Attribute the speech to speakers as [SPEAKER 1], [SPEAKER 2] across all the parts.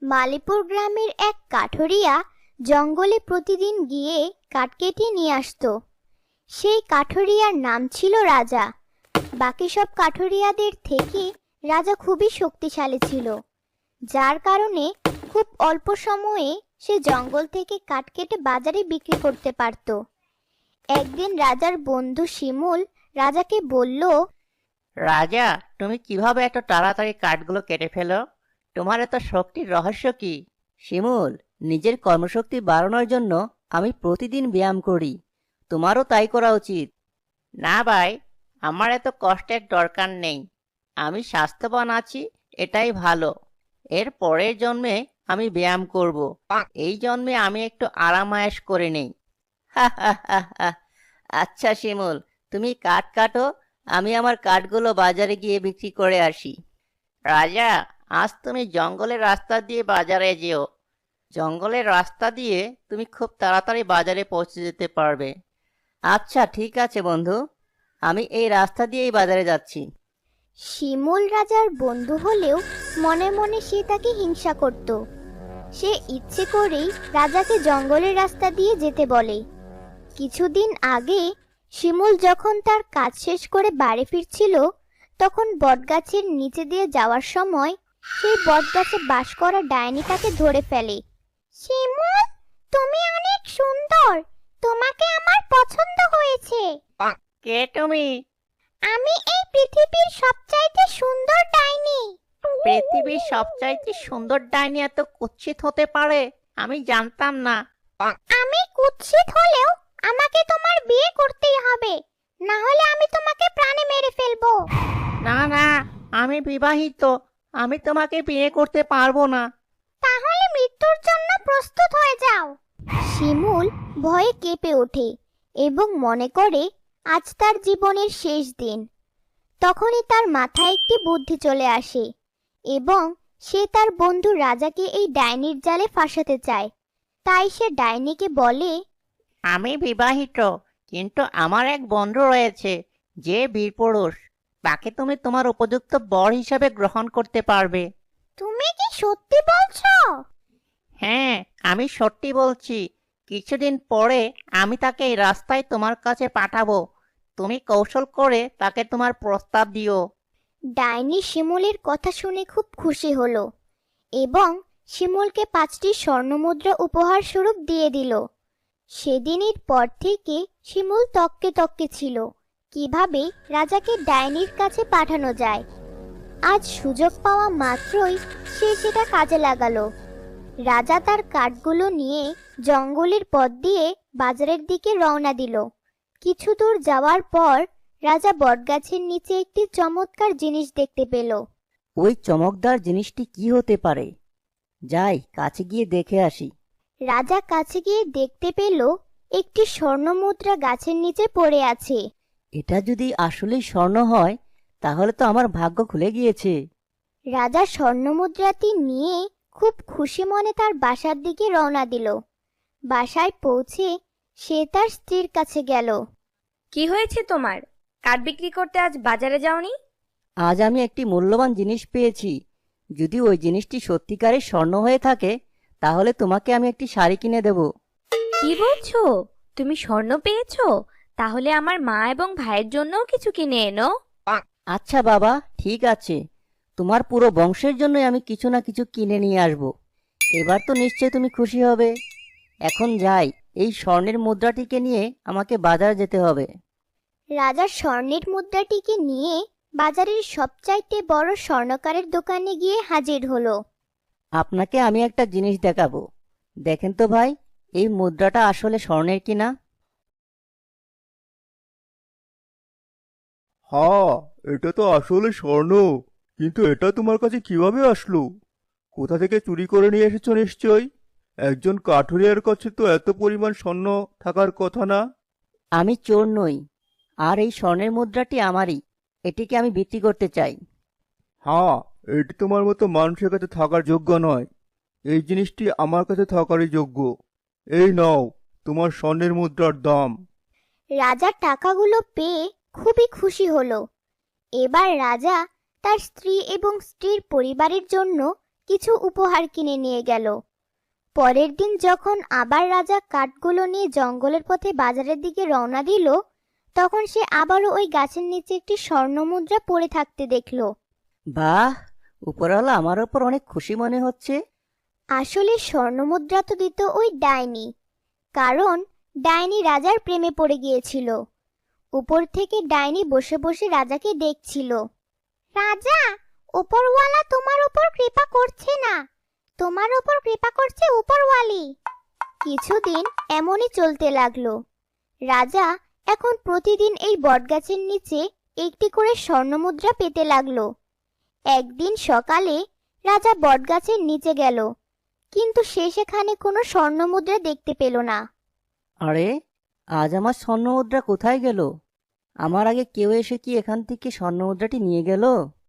[SPEAKER 1] মালিপুর গ্রামের এক কাঠুরিয়া জঙ্গলে প্রতিদিন গিয়ে কাঠ কেটে নিয়ে আসতো। সেই কাঠুরিয়ার নাম ছিল রাজা। বাকি সব কাঠুরিয়াদের থেকে রাজা খুবই শক্তিশালী ছিল, যার কারণে খুব অল্প সময়ে সে জঙ্গল থেকে কাঠ কেটে বাজারে বিক্রি করতে পারত। একদিন রাজার বন্ধু শিমুল রাজাকে বলল,
[SPEAKER 2] রাজা, তুমি কিভাবে এত তাড়াতাড়ি কাঠগুলো কেটে ফেলো? তোমার এত শক্তির রহস্য কি? শিমুল, নিজের কর্মশক্তি বাড়ানোর জন্য আমি প্রতিদিন ব্যায়াম করি। তোমারও তাই করা উচিত। না ভাই, আমার এত কষ্টের দরকার নেই। আমি স্বাস্থ্যবান আছি, এটাই ভালো। এর পরের জন্মে আমি ব্যায়াম করব। এই জন্মে আমি একটু আরামায়েশ করে নেই। হা হা হা হা। আচ্ছা শিমুল, তুমি কাঠ কাটো, আমি আমার কাঠগুলো বাজারে গিয়ে বিক্রি করে আসি। রাজা, আজ তুমি জঙ্গলের রাস্তা দিয়ে বাজারে যেও। জঙ্গলের রাস্তা দিয়ে তুমি খুব তাড়াতাড়ি বাজারে পৌঁছে যেতে পারবে। আচ্ছা ঠিক আছে বন্ধু, আমি এই রাস্তা দিয়েই বাজারে যাচ্ছি।
[SPEAKER 1] শিমুল রাজার বন্ধু হলেও মনে মনে সে তাকে হিংসা করত। সে ইচ্ছে করেই রাজাকে জঙ্গলের রাস্তা দিয়ে যেতে বলে। কিছুদিন আগে শিমুল যখন তার কাজ শেষ করে বাড়ি ফিরছিল, তখন বটগাছের নিচে দিয়ে যাওয়ার সময় সেই বটগাছে বাস করা ডাইনি তাকে ধরে ফেলে। শিমুল, তুমি অনেক সুন্দর, তোমাকে আমার পছন্দ হয়েছে।
[SPEAKER 2] কে তুমি?
[SPEAKER 1] আমি এই পৃথিবীর সবচাইতে সুন্দর ডাইনি।
[SPEAKER 2] পৃথিবীর সবচাইতে সুন্দর ডাইনি এত কুৎসিত হতে পারে? আমি জানতাম না।
[SPEAKER 1] আমি কুৎসিত হলেও আমাকে তোমার বিয়ে করতেই হবে, না হলে আমি তোমাকে প্রাণে মেরে ফেলবো।
[SPEAKER 2] না না, আমি বিবাহিত, আমি তোমাকে বিয়ে করতে পারবো না।
[SPEAKER 1] তাহলে মৃত্যুর জন্য প্রস্তুত হয়ে যাও। শিমুল ভয়ে কেঁপে ওঠে এবং মনে করে আজ তার জীবনের শেষ দিন। তখনই তার মাথায় একটি বুদ্ধি চলে আসে এবং সে তার বন্ধু রাজাকে এই ডাইনির জালে ফাঁসাতে চায়। তাই সে ডাইনিকে বলে,
[SPEAKER 2] আমি বিবাহিত, কিন্তু আমার এক বন্ধু রয়েছে যে বীরপুরুষ। তাকে তুমি তোমার উপযুক্ত বর হিসাবে গ্রহণ করতে পারবে।
[SPEAKER 1] তুমি কি সত্যি বলছো?
[SPEAKER 2] হ্যাঁ, আমি সত্যি বলছি। কিছুদিন পরে আমি তাকে এই রাস্তায় তোমার কাছে পাঠাবো। তুমি কৌশল করে তাকে তোমার প্রস্তাব দিও।
[SPEAKER 1] ডাইনি শিমুলের কথা শুনে খুব খুশি হলো এবং শিমুলকে 5টি স্বর্ণমুদ্রা উপহার স্বরূপ দিয়ে দিল। সেদিনের পর থেকে শিমুল তককে তককে ছিল কিভাবে রাজাকে ডাইনির কাছে পাঠানো যায়। আজ সুযোগ পাওয়া মাত্রই সে সেটা কাজে লাগালো। রাজা তার কাঠগুলো নিয়ে জঙ্গলের পথ দিয়ে বাজারের দিকে রওনা দিল। কিছু দূর যাওয়ার পর রাজা বটগাছের নিচে একটি চমৎকার জিনিস দেখতে পেল।
[SPEAKER 2] ওই চমকদার জিনিসটি কি হতে পারে? যাই, কাছে গিয়ে দেখে আসি।
[SPEAKER 1] রাজা কাছে গিয়ে দেখতে পেল একটি স্বর্ণমুদ্রা গাছের নিচে পড়ে আছে।
[SPEAKER 2] এটা যদি আসলেই স্বর্ণ হয়, তাহলে তো আমার ভাগ্য খুলে গিয়েছে।
[SPEAKER 1] রাজা স্বর্ণমুদ্রাটি নিয়ে খুব খুশি মনে তার বাসার দিকে রওনা দিল। বাসায় পৌঁছে সে তার স্ত্রীর কাছে গেল।
[SPEAKER 3] কি হয়েছে তোমার? কাঠ বিক্রি করতে আজ বাজারে যাওনি?
[SPEAKER 2] আজ আমি একটি মূল্যবান জিনিস পেয়েছি। যদি ওই জিনিসটি সত্যিকারের স্বর্ণ হয়ে থাকে, তাহলে তোমাকে আমি একটি শাড়ি কিনে দেব।
[SPEAKER 3] কি বলছো? তুমি স্বর্ণ পেয়েছো? তাহলে আমার মা এবং ভাইয়ের জন্যও কিছু কিনে এনো।
[SPEAKER 2] আচ্ছা বাবা, ঠিক আছে। তোমার পুরো বংশের জন্যই আমি কিছু না কিছু কিনে নিয়ে আসব। এবার তো নিশ্চয়ই তুমি খুশি হবে। এখন যাই, এই স্বর্ণের মুদ্রাটিকে নিয়ে আমাকে বাজার যেতে হবে।
[SPEAKER 1] রাজা স্বর্ণের মুদ্রাটিকে নিয়ে বাজারের সবচাইতে বড় স্বর্ণকারের দোকানে গিয়ে হাজির হলো।
[SPEAKER 2] আপনাকে আমি একটা জিনিস দেখাবো। দেখেন তো ভাই, এই মুদ্রাটা আসলে স্বর্ণের কিনা।
[SPEAKER 4] হ্যাঁ, এটা তো আসলে স্বর্ণ। কিন্তু এটা তোমার কাছে কিভাবে আসলো? কোথা থেকে চুরি করে নিয়ে এসেছো নিশ্চয়ই? একজন কাঠুরিয়ার কাছে তো এত পরিমাণ স্বর্ণ থাকার কথা না।
[SPEAKER 2] আমি চোর নই, আর এই স্বর্ণের মুদ্রাটি আমারই। এটিকে আমি বিক্রি করতে চাই।
[SPEAKER 4] হ্যাঁ, এটি তোমার মতো মানুষের কাছে থাকার যোগ্য নয়। এই জিনিসটি আমার কাছে থাকারই যোগ্য। এই নাও তোমার স্বর্ণের মুদ্রার দাম।
[SPEAKER 1] রাজা টাকাগুলো পেয়ে খুবই খুশি হলো। এবার রাজা তার স্ত্রী এবং স্ত্রীর পরিবারের জন্য কিছু উপহার কিনে নিয়ে গেল। পরের দিন যখন আবার রাজা কাঠগুলো নিয়ে জঙ্গলের পথে বাজারের দিকে রওনা দিল, তখন সে আবারও ওই গাছের নিচে একটি স্বর্ণমুদ্রা পড়ে থাকতে দেখল।
[SPEAKER 2] বাহ, উপরওয়ালা আমার ওপর অনেক খুশি মনে হচ্ছে।
[SPEAKER 1] আসলে স্বর্ণমুদ্রা তো দিত ওই ডাইনি, কারণ ডাইনি রাজার প্রেমে পড়ে গিয়েছিল। উপর থেকে ডাইনি বসে বসে রাজাকে দেখছিল। রাজা, উপরওয়ালা তোমার উপর কৃপা করছে না, তোমার উপর কৃপা করছে উপরওয়ালি। কিছুদিন এমনই চলতে লাগলো। রাজা এখন প্রতিদিন এই বটগাছের নিচে একটি করে স্বর্ণমুদ্রা পেতে লাগলো। একদিন সকালে রাজা বটগাছের নিচে গেল, কিন্তু সে সেখানে কোনো স্বর্ণমুদ্রা দেখতে পেল না।
[SPEAKER 2] আরে, আজ আমার স্বর্ণমুদ্রা কোথায় গেল? আমার আগে কেউ এসে কি এখান থেকে স্বর্ণমুদ্রাটি নিয়ে গেল?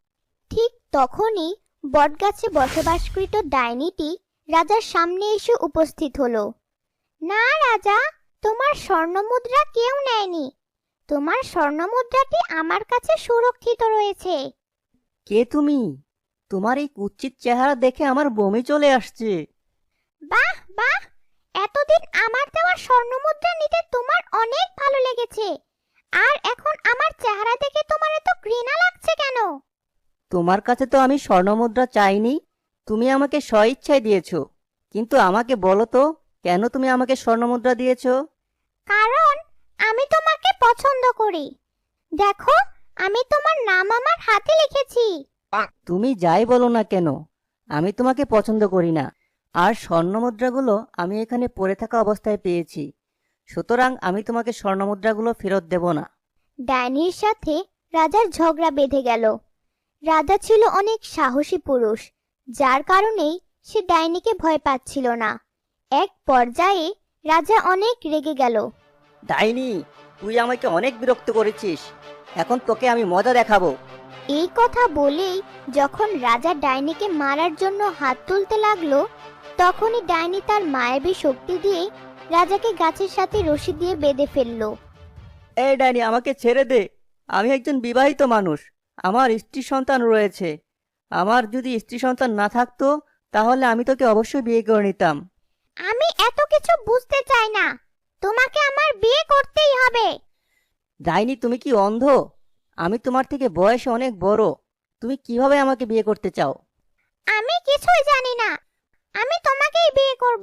[SPEAKER 1] ঠিক তখনই বটগাছে বসবাসকৃত ডাইনিটি রাজার সামনে এসে উপস্থিত হলো। না রাজা, তোমার স্বর্ণমুদ্রা কেউ নেয়নি, তোমার স্বর্ণমুদ্রাটি আমার কাছে সুরক্ষিত রয়েছে।
[SPEAKER 2] কে তুমি? তোমার এই কুৎসিত চেহারা দেখে আমার বমি চলে আসছে।
[SPEAKER 1] বাহ বাহ, এতদিন আমার দেওয়া স্বর্ণমুদ্রা নিতে তোমার অনেক ভালো লেগেছে, আর এখন আমার চেহারা দেখে তোমার এত ঘৃণা লাগছে কেন?
[SPEAKER 2] তোমার কাছে তো আমি স্বর্ণমুদ্রা চাইনি, তুমি আমাকে স্বইচ্ছায় দিয়েছো। কিন্তু আমাকে বলো তো, কেন তুমি আমাকে স্বর্ণমুদ্রা দিয়েছো?
[SPEAKER 1] কারণ আমি তোমাকে পছন্দ করি। দেখো, আমি তোমার নাম আমার হাতে লিখেছি।
[SPEAKER 2] তুমি যাই বলো না কেন, আমি তোমাকে পছন্দ করি না। আর স্বর্ণমুদ্রাগুলো আমি এখানে পড়ে থাকা অবস্থায় পেয়েছি, সুতরাং আমি তোমাকে স্বর্ণমুদ্রাগুলো ফেরত দেব না।
[SPEAKER 1] ডাইনির সাথে রাজার ঝগড়া বেঁধে গেল। রাজা ছিল অনেক সাহসী পুরুষ, যার কারণেই সে ডাইনিকে ভয় পাচ্ছিল না। এক পর্যায়ে রাজা অনেক রেগে গেল।
[SPEAKER 2] ডাইনি, তুই আমাকে অনেক বিরক্ত করেছিস, এখন তোকে আমি মজা দেখাবো।
[SPEAKER 1] এই কথা বলেই যখন রাজা ডাইনিকে মারার জন্য হাত তুলতে লাগলো, তখনই ডাইনি তার মায়াবী শক্তি দিয়ে রাজাকে গাছের সাথে রশি দিয়ে বেঁধে ফেললো।
[SPEAKER 2] এই ডাইনি, আমাকে ছেড়ে দে। আমি একজন বিবাহিত মানুষ, আমার স্ত্রী সন্তান রয়েছে। আমার যদি স্ত্রী সন্তান না থাকতো তাহলে আমি তোকে অবশ্যই বিয়ে করে নিতাম।
[SPEAKER 1] আমি এত কিছু বুঝতে চাই না, তোমাকে আমার বিয়ে করতেই হবে।
[SPEAKER 2] ডাইনি, তুমি কি অন্ধ? আমি তোমার থেকে বয়সে অনেক বড়, তুমি কিভাবে আমাকে বিয়ে করতে চাও?
[SPEAKER 1] আমি কিছুই জানি না, আমি তোমাকেই বিয়ে করব।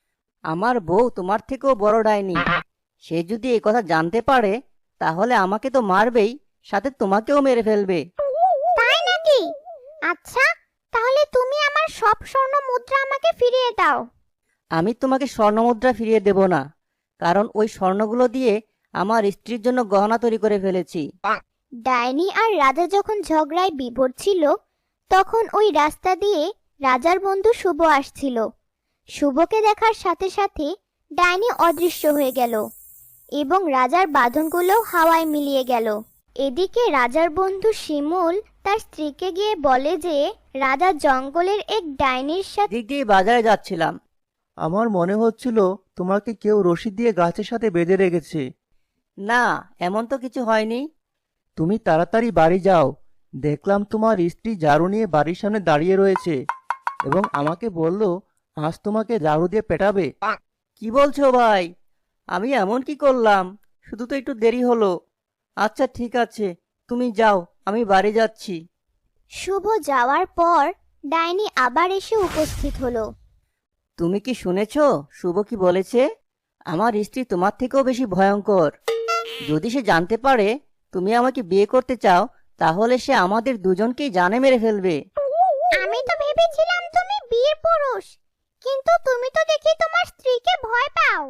[SPEAKER 2] আমার বউ তোমার থেকেও বড় ডাইনি, সে যদি এই কথা জানতে পারে তাহলে আমাকে তো মারবেই, সাথে তোমাকেও মেরে ফেলবে।
[SPEAKER 1] তাই নাকি? আচ্ছা, তাহলে তুমি আমার সব স্বর্ণ মুদ্রা আমাকে ফিরিয়ে দাও।
[SPEAKER 2] আমি তোমাকে স্বর্ণমুদ্রা ফিরিয়ে দেব না, কারণ ওই স্বর্ণগুলো দিয়ে আমার স্ত্রীর জন্য গহনা তৈরি করে ফেলেছি।
[SPEAKER 1] ডাইনি আর রাজা যখন ঝগড়ায় বিভোর ছিল, তখন ওই রাস্তা দিয়ে রাজার বন্ধু শুভ আসছিল। শুভকে দেখার সাথে সাথে ডাইনি অদৃশ্য হয়ে গেল এবং রাজার বাঁধনগুলো হাওয়ায় মিলিয়ে গেল। এদিকে রাজার বন্ধু শিমুল তার স্ত্রীকে গিয়ে বলে যে রাজা জঙ্গলের এক ডাইনির সাথে
[SPEAKER 2] দিক দিয়ে বাজারে যাচ্ছিলাম।
[SPEAKER 4] আমার মনে হচ্ছিল তোমাকে কেউ রশি দিয়ে গাছের সাথে বেঁধে রেখেছে।
[SPEAKER 2] না, এমন তো কিছু হয়নি।
[SPEAKER 4] তুমি তাড়াতাড়ি বাড়ি যাও, দেখলাম তোমার স্ত্রী ঝাড়ু নিয়ে বাড়ির সামনে দাঁড়িয়ে রয়েছে এবং আমাকে বলল আজ তোমাকে ঝাড়ু দিয়ে পেটাবে।
[SPEAKER 2] কি বলছো ভাই? আমি এমন কি করলাম? শুধু তো একটু দেরি হলো। আচ্ছা ঠিক আছে, তুমি যাও, আমি বাড়ি যাচ্ছি।
[SPEAKER 1] শুভ যাওয়ার পর ডাইনি আবার এসে উপস্থিত হলো।
[SPEAKER 2] তুমি কি শুনেছো শুভ কি বলেছে? আমার স্ত্রী তোমার থেকেও বেশি ভয়ঙ্কর। যদি সে জানতে পারে তুমি আমাকে বিয়ে করতে চাও তাহলে সে আমাদের দুজনকেই জানে মেরে ফেলবে।
[SPEAKER 1] আমি তো ভেবেছিলাম তুমি বীর পুরুষ, কিন্তু তুমি তো দেখি তোমার স্ত্রীকে ভয় পাও।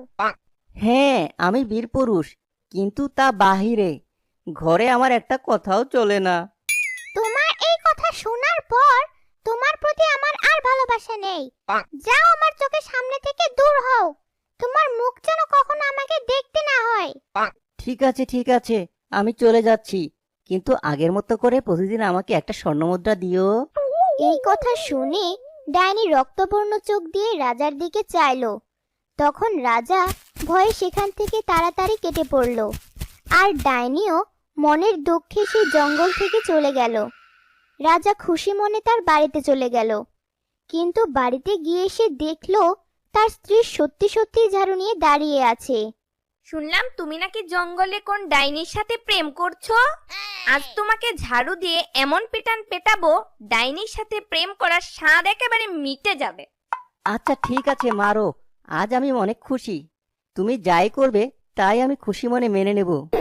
[SPEAKER 2] হ্যাঁ, আমি বীর পুরুষ, কিন্তু তা বাহিরে, ঘরে আমার একটা কথাও চলে না।
[SPEAKER 1] তোমার এই কথা শোনার পর তোমার প্রতি আমার আর ভালোবাসা নেই। যাও, আমার চোখের সামনে থেকে দূর হও। তোমার মুখ যেন কখনো আমাকে দেখতে না হয়।
[SPEAKER 2] ঠিক আছে ঠিক আছে, আমি চলে যাচ্ছি, কিন্তু আগের মতো করে প্রতিদিন আমাকে একটা স্বর্ণমুদ্রা দিও।
[SPEAKER 1] এই কথা শুনে ডাইনি রক্তবর্ণ চোখ দিয়ে রাজার দিকে চাইলো। তখন রাজা ভয়ে সেখান থেকে তাড়াতাড়ি কেটে পড়ল, আর ডাইনিও মনের দুঃখে সেই জঙ্গল থেকে চলে গেল। রাজা খুশি মনে তার বাড়িতে চলে গেল। কিন্তু বাড়িতে গিয়ে এসে দেখলো তার স্ত্রী সত্যি সত্যি ঝাড়ু নিয়ে দাঁড়িয়ে আছে।
[SPEAKER 3] শুনলাম তুমি নাকি জঙ্গলে কোন ডাইনির সাথে প্রেম করছো। আজ তোমাকে ঝাড়ু দিয়ে এমন পিটান পেটাবো, ডাইনির সাথে প্রেম করার স্বাদ একেবারে মিটে যাবে।
[SPEAKER 2] আচ্ছা ঠিক আছে মারো, আজ আমি অনেক খুশি। তুমি যাই করবে তাই আমি খুশি মনে মেনে নেব।